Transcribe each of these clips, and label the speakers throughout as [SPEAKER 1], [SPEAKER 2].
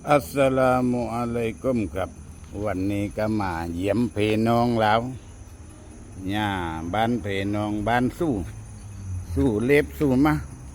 [SPEAKER 1] อัสสลามุอะลัยกุมครับวันนี้ก็มาเยี่ยมพี่น้องแล้วเนี่ยบ้านพี่น้องบ้านสู้เล็บสู้มา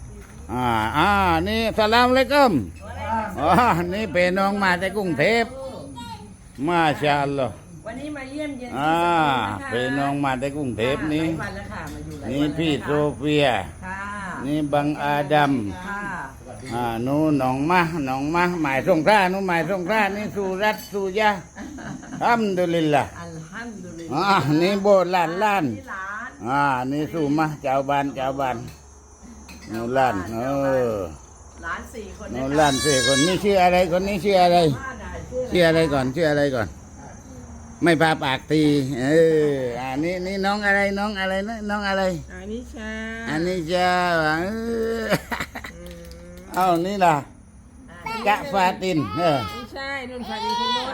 [SPEAKER 1] นี่สลามอะลัยกุมนี่พี่น้องมาจากกรุงเทพมาชาอัลลอฮ์
[SPEAKER 2] วันนี้มาเยี่ยมเยียน
[SPEAKER 1] พี่น้องมาจากกรุงเทพนี่นี่พี่โซเฟียนี่บังอาดัมนู่นน้องมาหมายสงครานู่นหมายสงครานี่สุรัตสุยาอัลฮัมดุลิลละนี่โบสถ์ล้านนี่สู่มาเจ้าบ้านนู่นล้าน
[SPEAKER 2] หลานสี่คน
[SPEAKER 1] นู่นล้านสี่คนนี่ชื่ออะไรคนนี้ชื่ออะไรชื่ออะไรก่อนไม่พาปากตีนี่น้องอะไรนะน้องอะไร
[SPEAKER 2] อันนี้ชา
[SPEAKER 1] เอานี่ล่ะกะฟาติน
[SPEAKER 2] ไม่ใช่นุ่นฟาตินคนโน้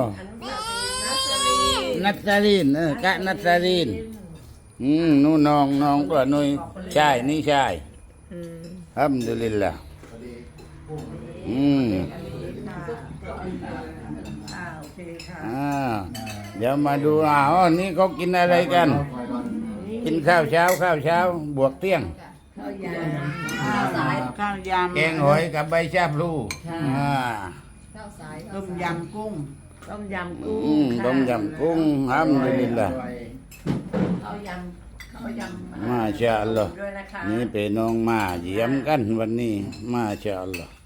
[SPEAKER 2] น
[SPEAKER 1] นัตซารีนกะนัตซารีนนู่นน้องตัวนุ้ยใช่นี่ใช่อัลฮัมดุลิลละ
[SPEAKER 2] โอเคค่ะ
[SPEAKER 1] เดี๋ยวมาดูนี่เขากินอะไรกันกินข้าวเช้าบวกเที่ยง
[SPEAKER 2] ข้าวยำ
[SPEAKER 1] แกงหอยกับใบชาพลู
[SPEAKER 2] ต้มยำกุ้ง
[SPEAKER 1] ต้มยำกุ้งอัลฮัมดุลิลละ
[SPEAKER 2] ข้าวยำ
[SPEAKER 1] มาชาอัลลอฮ์นี่เป็นน้องมาเยี่ยมกันวันนี้มาชาอัลลอฮ์